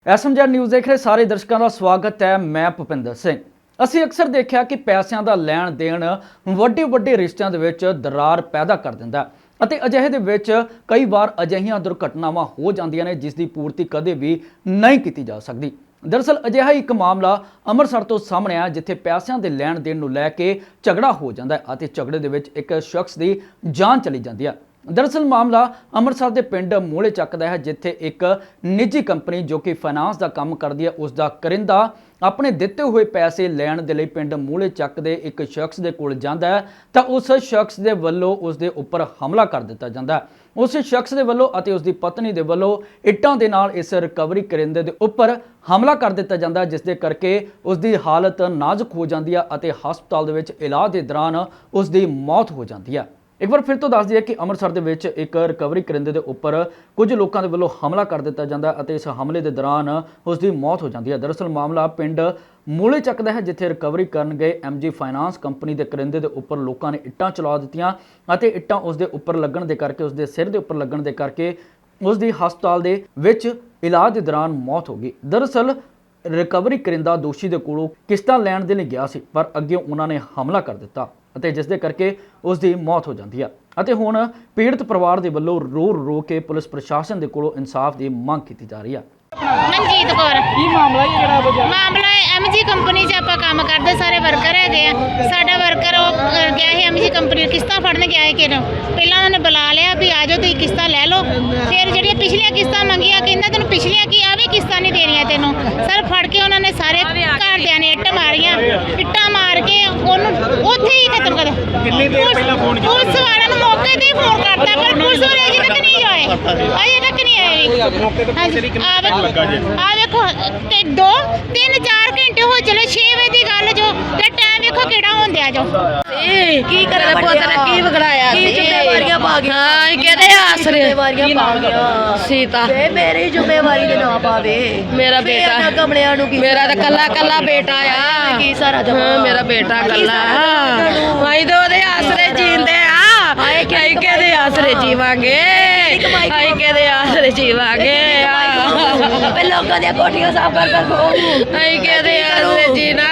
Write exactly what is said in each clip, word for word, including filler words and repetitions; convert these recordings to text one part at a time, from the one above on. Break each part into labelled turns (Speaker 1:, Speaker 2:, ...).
Speaker 1: SMG news ਦੇਖ ਰਹੇ ਸਾਰੇ ਦਰਸ਼ਕਾਂ ਦਾ ਸਵਾਗਤ ਹੈ। ਮੈਂ ਭੁਪਿੰਦਰ ਸਿੰਘ। ਅਸੀਂ ਅਕਸਰ ਦੇਖਿਆ ਕਿ ਪੈਸਿਆਂ ਦਾ ਲੈਣ ਦੇਣ ਵੱਡੇ ਵੱਡੇ ਰਿਸ਼ਤਿਆਂ ਦੇ ਵਿੱਚ ਦਰਾਰ ਪੈਦਾ ਕਰ ਦਿੰਦਾ ਅਤੇ ਅਜਿਹੇ ਦੇ ਵਿੱਚ ਕਈ ਵਾਰ ਅਜਿਹੀਆਂ ਦੁਰਘਟਨਾਵਾਂ ਹੋ ਜਾਂਦੀਆਂ ਨੇ ਜਿਸ ਦੀ ਪੂਰਤੀ ਕਦੇ ਵੀ ਨਹੀਂ ਕੀਤੀ ਜਾ ਸਕਦੀ। ਦਰਅਸਲ ਅਜਿਹਾ ਇੱਕ ਮਾਮਲਾ ਅੰਮ੍ਰਿਤਸਰ ਤੋਂ ਸਾਹਮਣੇ ਆਇਆ ਜਿੱਥੇ ਪੈਸਿਆਂ ਦੇ ਲੈਣ ਦੇਣ ਨੂੰ ਲੈ ਕੇ ਝਗੜਾ ਹੋ ਜਾਂਦਾ ਹੈ ਅਤੇ ਝਗੜੇ ਦੇ ਵਿੱਚ ਇੱਕ ਸ਼ਖਸ ਦੀ ਜਾਨ ਚਲੀ ਜਾਂਦੀ ਹੈ। दरअसल मामला ਅੰਮ੍ਰਿਤਸਰ ਦੇ ਪਿੰਡ ਮੂਲੇ ਚੱਕ ਦਾ ਹੈ ਜਿੱਥੇ ਇੱਕ ਨਿੱਜੀ ਕੰਪਨੀ ਜੋ ਕਿ ਫਾਈਨਾਂਸ ਦਾ ਕੰਮ ਕਰਦੀ ਹੈ ਉਸ ਦਾ ਕਰਿੰਦਾ ਆਪਣੇ ਦਿੱਤੇ ਹੋਏ ਪੈਸੇ ਲੈਣ ਦੇ ਲਈ ਪਿੰਡ ਮੂਲੇ ਚੱਕ ਦੇ ਇੱਕ ਸ਼ਖਸ ਦੇ ਕੋਲ ਜਾਂਦਾ ਹੈ ਤਾਂ ਉਸ ਸ਼ਖਸ ਦੇ ਵੱਲੋਂ ਉਸ ਦੇ ਉੱਪਰ ਹਮਲਾ ਕਰ ਦਿੱਤਾ ਜਾਂਦਾ ਹੈ। ਉਸ ਸ਼ਖਸ ਦੇ ਵੱਲੋਂ ਅਤੇ ਉਸ ਦੀ ਪਤਨੀ ਦੇ ਵੱਲੋਂ ਇੱਟਾਂ ਦੇ ਨਾਲ ਇਸ ਰਿਕਵਰੀ ਕਰਿੰਦੇ ਦੇ ਉੱਪਰ ਹਮਲਾ ਕਰ ਦਿੱਤਾ ਜਾਂਦਾ ਜਿਸ ਦੇ ਕਰਕੇ ਉਸ ਦੀ ਹਾਲਤ ਨਾਜ਼ੁਕ ਹੋ ਜਾਂਦੀ ਹੈ ਅਤੇ ਹਸਪਤਾਲ ਦੇ ਵਿੱਚ ਇਲਾਜ ਦੇ ਦੌਰਾਨ ਉਸ ਦੀ ਮੌਤ ਹੋ ਜਾਂਦੀ ਹੈ। एक बार फिर तो दस दिए कि ਅੰਮ੍ਰਿਤਸਰ ਦੇ ਵਿੱਚ ਇੱਕ ਰਿਕਵਰੀ ਕਰਿੰਦੇ ਦੇ ਉੱਪਰ ਕੁਝ ਲੋਕਾਂ ਦੇ ਵੱਲੋਂ ਹਮਲਾ ਕਰ ਦਿੱਤਾ ਜਾਂਦਾ ਅਤੇ ਇਸ ਹਮਲੇ ਦੇ ਦੌਰਾਨ ਉਸ ਦੀ ਮੌਤ ਹੋ ਜਾਂਦੀ ਹੈ। ਦਰਅਸਲ ਮਾਮਲਾ ਪਿੰਡ ਮੂਲੇ ਚੱਕ ਦਾ ਹੈ ਜਿੱਥੇ ਰਿਕਵਰੀ ਕਰਨ ਗਏ ਐਮਜੀ ਫਾਈਨਾਂਸ ਕੰਪਨੀ ਦੇ ਕਰਿੰਦੇ ਦੇ ਉੱਪਰ ਲੋਕਾਂ ਨੇ ਇੱਟਾਂ ਚਲਾ ਦਿੱਤੀਆਂ ਅਤੇ ਇੱਟਾਂ ਉਸ ਦੇ ਉੱਪਰ ਲੱਗਣ ਦੇ ਕਰਕੇ ਉਸ ਦੇ ਸਿਰ ਦੇ ਉੱਪਰ ਲੱਗਣ ਦੇ ਕਰਕੇ ਉਸ ਦੀ ਹਸਪਤਾਲ ਦੇ ਵਿੱਚ ਇਲਾਜ ਦੇ ਦੌਰਾਨ ਮੌਤ ਹੋ ਗਈ। ਦਰਅਸਲ ਰਿਕਵਰੀ ਕਰਿੰਦਾ ਦੋਸ਼ੀ ਦੇ ਕੋਲੋਂ ਕਿਸ਼ਤਾਂ ਲੈਣ ਦੇ ਲਈ ਗਿਆ ਸੀ ਪਰ ਅੱਗੇ ਉਹਨਾਂ ਨੇ ਹਮਲਾ ਕਰ ਦਿੱਤਾ ਅਤੇ ਜਿਸ ਦੇ ਕਰਕੇ ਉਸ ਦੀ ਮੌਤ ਹੋ ਜਾਂਦੀ ਹੈ ਅਤੇ ਹੁਣ ਪੀੜਤ ਪਰਿਵਾਰ ਦੇ ਵੱਲੋਂ ਰੋ ਰੋ ਕੇ ਪੁਲਿਸ ਪ੍ਰਸ਼ਾਸਨ ਦੇ ਕੋਲੋਂ ਇਨਸਾਫ ਦੀ ਮੰਗ ਕੀਤੀ ਜਾ ਰਹੀ ਹੈ।
Speaker 2: ਮਨਜੀਤ ਕੌਰ
Speaker 3: ਕੀ ਮਾਮਲਾ ਹੈ ਜਿਹੜਾ ਵਜਾ
Speaker 2: ਮਾਮਲਾ ਐਮਜੀ ਕੰਪਨੀ 'ਚ ਆਪਾਂ ਕੰਮ ਕਰਦੇ ਸਾਰੇ ਵਰਕਰ ਹੈਗੇ ਆ। ਸਾਡਾ ਵਰਕਰ ਉਹ ਗਿਆ ਸੀ ਐਮਜੀ ਕੰਪਨੀ ਕਿਸ਼ਤਾਂ ਫੜਨ ਗਿਆ ਹੈ ਕਿ ਪਹਿਲਾਂ ਉਹਨਾਂ ਨੇ ਬੁਲਾ ਲਿਆ ਵੀ ਆ ਜਾਓ ਤੁਸੀਂ ਕਿਸ਼ਤਾਂ ਲੈ ਲਓ। ਫਿਰ ਜਿਹੜੀਆਂ ਪਿਛਲੀਆਂ ਕਿਸ਼ਤਾਂ ਮੰਗੀਆਂ ਕਹਿੰਦਾ ਤੈਨੂੰ ਪਿਛਲੀਆਂ ਕੀ ਆ ਵੀ ਕਿਸ਼ਤਾਂ ਨਹੀਂ ਦੇਣੀਆਂ ਤੈਨੂੰ। ਸਰ ਫੜ ਕੇ ਉਹਨਾਂ ਨੇ ਸਾਰੇ ਘਰਦਿਆਂ ਨੇ ਇੱਟ ਮਾਰੀਆਂ ਇੱਟਾਂ ਮਾਰ ਕੇ ਉਹਨੂੰ ਉੱਥੇ ਹੀ ਖਤਮ ਕਰ ਦਿੱਤਾ।
Speaker 3: ਕਿੰਨੀ ਦੇਰ ਪਹਿਲਾਂ ਫੋਨ ਕੀਤਾ
Speaker 2: ਪੁਲਿਸ ਵਾਲਿਆਂ ਨੂੰ ਮੌਕੇ ਤੇ ਹੀ ਫੋਨ ਕਰਤਾ ਪਰ ਪੁਲਿਸ ਵਾਲੇ ਅਜੇ ਤੱਕ ਨਹੀਂ ਆਏ ਅਜੇ ਤੱਕ ਨਹੀਂ ਆਏ।
Speaker 3: ਮੌਕੇ ਤੇ ਪੁਲਿਸ ਦੀ ਕਿੰਨਾ ਟਾਈਮ ਲੱਗਾ ਜੀ?
Speaker 2: ਆ ਵੇਖੋ ਤੇ ਦੋ ਤਿੰਨ ਚਾਰ ਘੰਟੇ ਹੋ ਚਲੇ ਛੇ ਵਜੇ ਦੀ ਗੱਲ ਜੋ ਤੇ ਟਾਈਮ ਵੇਖੋ ਕਿਹੜਾ ਹੁੰਦਿਆ ਜੋ
Speaker 4: ਕੀ ਕਰੇ ਪੁੱਤ ਨੇ ਕੀ ਵਿਗੜਾਇਆ
Speaker 5: ਕੀ ਜ਼ਿੰਮੇਵਾਰੀਆਂ ਪਾ ਗਿਆ
Speaker 4: ਹਾਂ ਕਿਹਦੇ ਆਸਰੇ
Speaker 5: ਜ਼ਿੰਮੇਵਾਰੀਆਂ ਪਾ ਗਿਆ
Speaker 4: ਸੀਤਾ
Speaker 5: ਤੇ ਮੇਰੀ ਜ਼ਿੰਮੇਵਾਰੀ ਦੇ ਨਾ ਪਾਵੇ
Speaker 4: ਮੇਰਾ ਬੇਟਾ
Speaker 5: ਇਹਨਾਂ ਕਮਲਿਆਂ ਨੂੰ ਕੀ
Speaker 4: ਮੇਰਾ ਤਾਂ ਕੱਲਾ ਕੱਲਾ ਬੇਟਾ ਆ
Speaker 5: ਕੀ ਸਾਰਾ ਜਮਾ
Speaker 4: ਹਾਂ ਮੇਰਾ ਬੇਟਾ ਕੱਲਾ ਅਸੀਂ ਤਾਂ ਉਹਦੇ ਆਸਰੇ ਜੀਂਦੇ ਆ
Speaker 5: ਹਾਏ
Speaker 4: ਅਸੀਂ ਕਿਹਦੇ ਆਸਰੇ ਜੀਵਾਂਗੇ ਅਸੀਂ ਕਿਹਦੇ ਆਸਰੇ ਜੀਵਾਂਗੇ
Speaker 5: ਆਪੇ ਲੋਕਾਂ ਦੀਆਂ ਕੋਠੀਆਂ ਸਾਫ਼ ਕਰ ਕਰ ਖੋ
Speaker 4: ਅਸੀਂ ਕਿਹਦੇ ਆਸਰੇ ਜੀਣਾ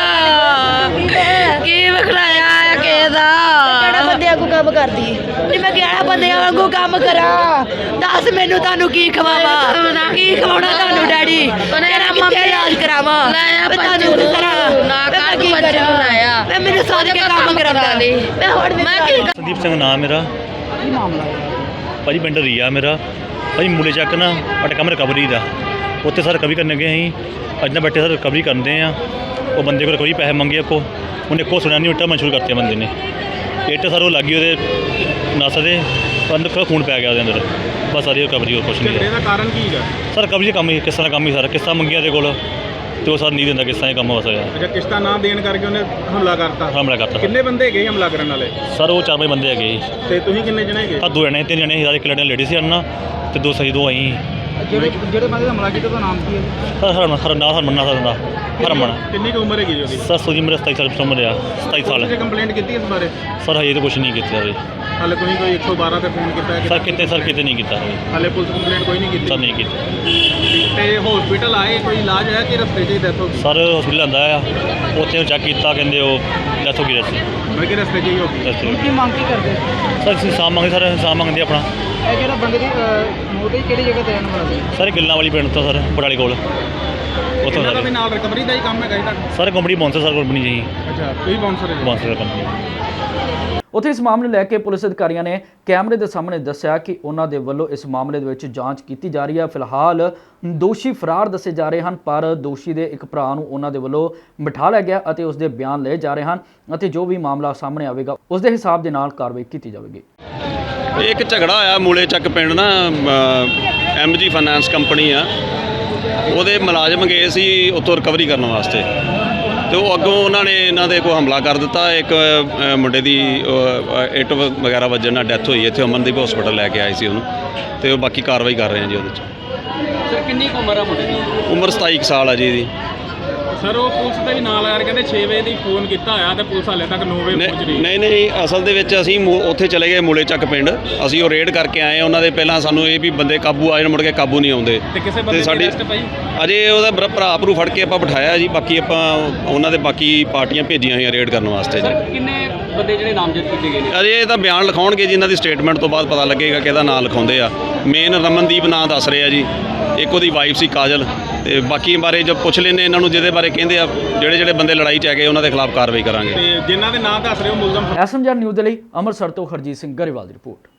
Speaker 4: ਕੀ ਵਿਖੜਾਇਆ ਆ ਕਿਹਦਾ
Speaker 5: ਕਿਹੜਾ ਬੰਦਿਆਂ ਕੋ ਕੰਮ ਕਰਦੀ ਨਹੀਂ ਮੈਂ ਕਿਹੜਾ ਬੰਦਿਆਂ ਵਾਂਗੂ ਕੰਮ ਕਰਾਂ ਦੱਸ ਮੈਨੂੰ ਤੁਹਾਨੂੰ ਕੀ ਖਵਾਵਾਂ ਕੀ ਖਵਾਉਣਾ ਤੁਹਾਨੂੰ ਡੈਡੀ ਤੇਰਾ ਮੰਮੀ ਇਲਾਜ ਕਰਾਵਾਂ
Speaker 4: ਲਾਇਆ
Speaker 5: ਮੈਂ ਤੁਹਾਨੂੰ
Speaker 4: ਪੰਜ
Speaker 5: ਕਰਾਂ
Speaker 4: ਨਾ
Speaker 5: ਮੈਂ
Speaker 4: ਕੱਟ
Speaker 5: ਕੀ
Speaker 4: ਬੱਚੇ
Speaker 5: ਕਰਾਂ?
Speaker 4: ਲਾਇਆ
Speaker 5: ਮੈਂ ਮੈਨੂੰ ਸੋਚ ਕੇ ਕੰਮ ਕਰਾਂਦਾ ਮੈਂ ਹੁਣ
Speaker 4: ਮੈਂ ਕੀ
Speaker 6: ਸੰਦੀਪ ਸਿੰਘ ਨਾਮ ਮੇਰਾ।
Speaker 3: ਕੀ ਮਾਮਲਾ ਹੈ?
Speaker 6: ਭਾਜੀ ਪਿੰਡ ਰੀਆ ਮੇਰਾ। ਭਾਜੀ ਮੂਲੇ ਚੱਕ ਨਾ ਸਾਡਾ ਕੰਮ ਰਿਕਵਰੀ ਦਾ ਉੱਥੇ ਸਰ ਰਿਕਵਰੀ ਕਰਨ ਗਏ ਅਸੀਂ ਅੱਜ ਨਾ ਬੈਠੇ ਸਰ ਰਿਕਵਰੀ ਕਰਦੇ ਆ। ਉਹ ਬੰਦੇ ਕੋਲ ਰਿਕਵਰੀ ਪੈਸੇ ਮੰਗੇ ਕੋ ਉਹਨੇ ਕੋ ਸੁਣਿਆ ਨਹੀਂ ਇੱਟਾਂ ਮਨਸ਼ੂਰ ਕਰਤੇ ਬੰਦੇ ਨੇ ਇੱਟ ਸਰ ਉਹ ਲੱਗੀ ਉਹਦੇ ਨਸ ਦੇ ਅੰਦਰ ਖੂਨ ਪੈ ਗਿਆ ਉਹਦੇ ਅੰਦਰ ਬਸ ਸਾਰੀ ਰਿਕਵਰੀ ਹੋਰ ਕੁਛ ਨਹੀਂ
Speaker 3: ਇਹਦਾ ਕਾਰਨ ਕੀ ਹੈ?
Speaker 6: ਸਰ ਰਿਕਵਰੀ ਦਾ ਕੰਮ ਹੀ ਕਿਸ ਤਰ੍ਹਾਂ ਕੰਮ ਹੀ ਸਾਰਾ ਕਿਸ਼ਤਾਂ ਮੰਗੀਆਂ ਦੇ ਕੋਲ ਤੇ ਉਹ ਸਰ ਨਹੀਂ ਦਿੰਦਾ ਕਿਸ਼ਤਾਂ ਇਹ ਕੰਮ ਬਸ ਹੋਇਆ
Speaker 3: ਅੱਛਾ ਕਿਸ਼ਤਾਂ ਨਾ ਦੇਣ ਕਰਕੇ ਉਹਨੇ ਹਮਲਾ ਕਰਤਾ।
Speaker 6: ਹਮਲਾ ਕਰਤਾ
Speaker 3: ਕਿੰਨੇ ਬੰਦੇ ਹੈਗੇ ਹਮਲਾ ਕਰਨ ਵਾਲੇ?
Speaker 6: ਸਰ ਉਹ ਚਾਰ ਪੰਜ ਬੰਦੇ ਹੈਗੇ ਜੀ।
Speaker 3: ਤੇ ਤੁਸੀਂ ਕਿੰਨੇ ਜਣੇ ਹੈਗੇ?
Speaker 6: ਤਾਂ ਦੋ ਜਣੇ ਤਿੰਨ ਜਣੇ ਸੀ ਸਾਰੇ ਇੱਕ ਲੜੀਆਂ ਲੇਡੀ ਸੀ ਅੰਨਾ ਤੇ ਦੋ ਸਹੀ ਦੋ ਆਈ
Speaker 3: ਜਿਹੜੇ ਜਿਹੜੇ ਬੰਦੇ ਦਾ ਹਮਲਾ ਕੀਤਾ ਉਹਦਾ ਨਾਮ ਕੀ ਹੈ?
Speaker 6: ਸਰ ਹਰਮਨ ਹਰ ਨਾ ਹਰਮਨ ਨਾ ਦਾ ਹਰਮਨ
Speaker 3: ਕਿੰਨੀ ਕੁ ਉਮਰ ਹੈਗੀ ਜੀ ਉਹਦੀ?
Speaker 6: ਸਰ ਸੋਜੀ ਮੇਰੇ ਸਤਾਈ ਸਾਲ ਉਮਰ ਆ ਸਤਾਈ ਸਾਲ
Speaker 3: ਤੁਸੀਂ ਕੰਪਲੇਂਟ ਕੀਤੀ ਇਸ ਬਾਰੇ?
Speaker 6: ਸਰ ਹਜੇ ਤਾਂ ਕੁਛ ਨਹੀਂ ਕੀਤਾ ਜੀ।
Speaker 3: ਹਾਲੇ ਤੁਸੀਂ ਕੋਈ ਇੱਕ ਸੌ ਬਾਰਾਂ ਤੇ ਫੋਨ ਕੀਤਾ ਹੈ?
Speaker 6: ਸਰ ਕਿਤੇ ਸਰ ਕਿਤੇ ਨਹੀਂ ਕੀਤਾ ਹਜੇ
Speaker 3: ਹਾਲੇ ਪੁਲਿਸ ਕੰਪਲੇਂਟ ਕੋਈ ਨਹੀਂ ਕੀਤੀ?
Speaker 6: ਸਰ ਨਹੀਂ ਕੀਤਾ
Speaker 3: ਤੇ ਹਸਪੀਟਲ ਆਏ ਕੋਈ ਇਲਾਜ ਹੈ ਕਿ ਰਸਤੇ 'ਚ ਹੀ ਡੈਥ ਹੋ ਗਈ?
Speaker 6: ਸਰ ਹਸਪੀਟਲ ਆਂਦਾ ਆ ਉੱਥੇ ਚੈੱਕ ਕੀਤਾ ਕਹਿੰਦੇ ਉਹ ਡੈਥ ਹੋ ਗਈ ਰਸਤੇ
Speaker 3: ਮੈਂ ਕਿ ਰਸਤੇ 'ਚ ਹੀ ਹੋ ਗਈ।
Speaker 6: ਰਸਤੇ
Speaker 3: ਕੀ ਮੰਗ ਕੀ ਕਰਦੇ?
Speaker 6: ਸਰ ਅਸੀਂ ਇਨਸਾਨ ਮੰਗਦੇ ਸਰ ਇਨਸਾਨ ਮੰਗਦੇ ਆਪਣਾ।
Speaker 3: ਇਹ ਜਿਹੜਾ ਬੰਦੇ ਦੀ ਮੌਤ ਹੋਈ ਕਿਹੜੀ ਜਗ੍ਹਾ ਤੇ ਰਹਿਣ ਵਾਲਾ ਸੀ?
Speaker 6: ਸਰ ਗੱਲਾਂ ਵਾਲੀ ਪਿੰਡ ਤੋਂ ਸਰ ਬਟਾਲੇ ਕੋਲ ਉੱਥੋਂ
Speaker 3: ਇਹਨਾਂ ਦਾ ਵੀ
Speaker 6: ਸਰ
Speaker 3: ਨਾਲ ਰਿਕਵਰੀ ਦਾ ਹੀ ਕੰਮ ਹੈਗਾ ਜੀ ਤੁਹਾਡਾ?
Speaker 6: Sir company bouncer sir company ਜੀ
Speaker 3: ਅੱਛਾ ਤੁਸੀਂ ਬਾਉਂਸਰ ਹੈ ਜੀ?
Speaker 6: Bouncer company.
Speaker 1: ਉੱਥੇ ਇਸ ਮਾਮਲੇ ਨੂੰ ਲੈ ਕੇ ਪੁਲਿਸ ਅਧਿਕਾਰੀਆਂ ਨੇ ਕੈਮਰੇ ਦੇ ਸਾਹਮਣੇ ਦੱਸਿਆ ਕਿ ਉਹਨਾਂ ਦੇ ਵੱਲੋਂ ਇਸ ਮਾਮਲੇ ਦੇ ਵਿੱਚ ਜਾਂਚ ਕੀਤੀ ਜਾ ਰਹੀ ਹੈ। ਫਿਲਹਾਲ ਦੋਸ਼ੀ ਫਰਾਰ ਦੱਸੇ ਜਾ ਰਹੇ ਹਨ ਪਰ ਦੋਸ਼ੀ ਦੇ ਇੱਕ ਭਰਾ ਨੂੰ ਉਹਨਾਂ ਦੇ ਵੱਲੋਂ ਬਿਠਾ ਲਿਆ ਗਿਆ ਅਤੇ ਉਸ ਦੇ ਬਿਆਨ ਲਏ ਜਾ ਰਹੇ ਹਨ ਅਤੇ ਜੋ ਵੀ ਮਾਮਲਾ ਸਾਹਮਣੇ ਆਵੇਗਾ ਉਸ ਦੇ ਹਿਸਾਬ ਦੇ ਨਾਲ ਕਾਰਵਾਈ ਕੀਤੀ ਜਾਵੇਗੀ।
Speaker 7: ਇੱਕ ਝਗੜਾ ਆਇਆ ਮੂਲੇ ਚੱਕ ਪਿੰਡ ਨਾ ਐਮਜੀ ਫਾਈਨਾਂਸ ਕੰਪਨੀ ਆ ਉਹਦੇ ਮੁਲਾਜ਼ਮ ਗਏ ਸੀ ਉੱਥੋਂ ਰਿਕਵਰੀ ਕਰਨ ਵਾਸਤੇ ਤੇ ਉਹ ਅੱਗੋਂ ਉਹਨਾਂ ਨੇ ਇਹਨਾਂ ਦੇ ਕੋਈ ਹਮਲਾ ਕਰ ਦਿੱਤਾ। ਇੱਕ ਮੁੰਡੇ ਦੀ ਇੱਟ ਵਗੈਰਾ ਵੱਜਣ ਨਾਲ ਡੈਥ ਹੋਈ ਇੱਥੇ ਅਮਨਦੀਪ ਹਸਪੀਟਲ ਲੈ ਕੇ ਆਏ ਸੀ ਉਹਨੂੰ ਤੇ ਉਹ ਬਾਕੀ ਕਾਰਵਾਈ ਕਰ ਰਹੇ ਆ ਜੀ ਉਹਦੇ 'ਚ।
Speaker 3: ਸਰ ਕਿੰਨੀ ਕੁ ਉਮਰ ਆ ਮੁੰਡੇ ਦੀ?
Speaker 7: ਉਮਰ ਸਤਾਈ ਕੁ ਸਾਲ ਆ ਜੀ ਇਹਦੀ।
Speaker 8: ਸਰ ਉਹ ਪੁਲਿਸ ਤੇ ਵੀ ਨਾਲ ਆ ਰਹੇ ਕਹਿੰਦੇ ਛੇ ਵਜੇ ਦੀ ਫੋਨ ਕੀਤਾ ਹੋਇਆ ਤੇ ਪੁਲਿਸ ਹਾਲੇ ਤੱਕ ਨੌ ਵਜੇ ਪਹੁੰਚ ਰਹੀ ਹੈ।
Speaker 7: ਨਹੀਂ ਨਹੀਂ ਅਸਲ ਦੇ ਵਿੱਚ ਅਸੀਂ ਮੂ- ਉੱਥੇ ਚਲੇ ਗਏ ਮੂਲੇ ਚੱਕ ਪਿੰਡ, ਅਸੀਂ ਉਹ ਰੇਡ ਕਰਕੇ ਆਏ ਉਹਨਾਂ ਦੇ। ਪਹਿਲਾਂ ਸਾਨੂੰ ਇਹ ਵੀ ਬੰਦੇ ਕਾਬੂ ਆਏ ਨੇ, ਮੁੜ ਕੇ ਕਾਬੂ ਨਹੀਂ ਆਉਂਦੇ।
Speaker 8: ਤੇ ਕਿਸੇ ਬੰਦੇ ਦੀ
Speaker 7: ਸਾਡੀ
Speaker 8: ਅਰੈਸਟ ਪਈ?
Speaker 7: ਅਜੇ ਉਹਦਾ ਭਰਾ- ਭਰਾ ਭਰੂ ਫੜ ਕੇ ਆਪਾਂ ਬਿਠਾਇਆ ਜੀ। ਬਾਕੀ ਆਪਾਂ ਉਹਨਾਂ ਦੇ ਬਾਕੀ ਪਾਰਟੀਆਂ ਭੇਜੀਆਂ ਹੋਈਆਂ ਰੇਡ ਕਰਨ ਵਾਸਤੇ ਜੀ।
Speaker 3: ਕਿੰਨੇ ਬੰਦੇ ਜਿਹੜੇ ਨਾਮਜ਼ਦ ਕੀਤੇ ਗਏ ਨੇ?
Speaker 7: ਅਜੇ ਇਹ ਤਾਂ ਬਿਆਨ ਲਿਖਾਉਣਗੇ ਜੀ, ਇਹਨਾਂ ਦੀ ਸਟੇਟਮੈਂਟ ਤੋਂ ਬਾਅਦ ਪਤਾ ਲੱਗੇਗਾ ਕਿ ਇਹਦਾ ਨਾਂ ਲਿਖਾਉਂਦੇ ਆ। ਮੇਨ ਰਮਨਦੀਪ ਨਾਂ ਦੱਸ ਰਹੇ ਆ ਜੀ, ਇੱਕ ਉਹਦੀ ਵਾਈਫ ਸੀ ਕਾਜਲ, ਤੇ ਬਾਕੀ ਬਾਰੇ ਜਦ ਪੁੱਛ ਲੈਂਦੇ ਇਹਨਾਂ ਨੂੰ ਜਿਹਦੇ ਬਾਰੇ ਕਹਿੰਦੇ ਆ, ਜਿਹੜੇ ਜਿਹੜੇ ਬੰਦੇ ਲੜਾਈ 'ਚ ਹੈਗੇ ਉਹਨਾਂ ਦੇ ਖਿਲਾਫ ਕਾਰਵਾਈ ਕਰਾਂਗੇ।
Speaker 8: ਤੇ ਜਿਨ੍ਹਾਂ ਦੇ ਨਾਂ ਦੱਸ ਰਹੇ ਹੋ ਮੁਲਜ਼ਮ
Speaker 1: ਐਸਐਮਜੀ ਨਿਊਜ਼ ਦੇ ਲਈ ਅੰਮ੍ਰਿਤਸਰ ਤੋਂ ਹਰਜੀਤ ਸਿੰਘ ਗਰੇਵਾਲ ਦੀ ਰਿਪੋਰਟ।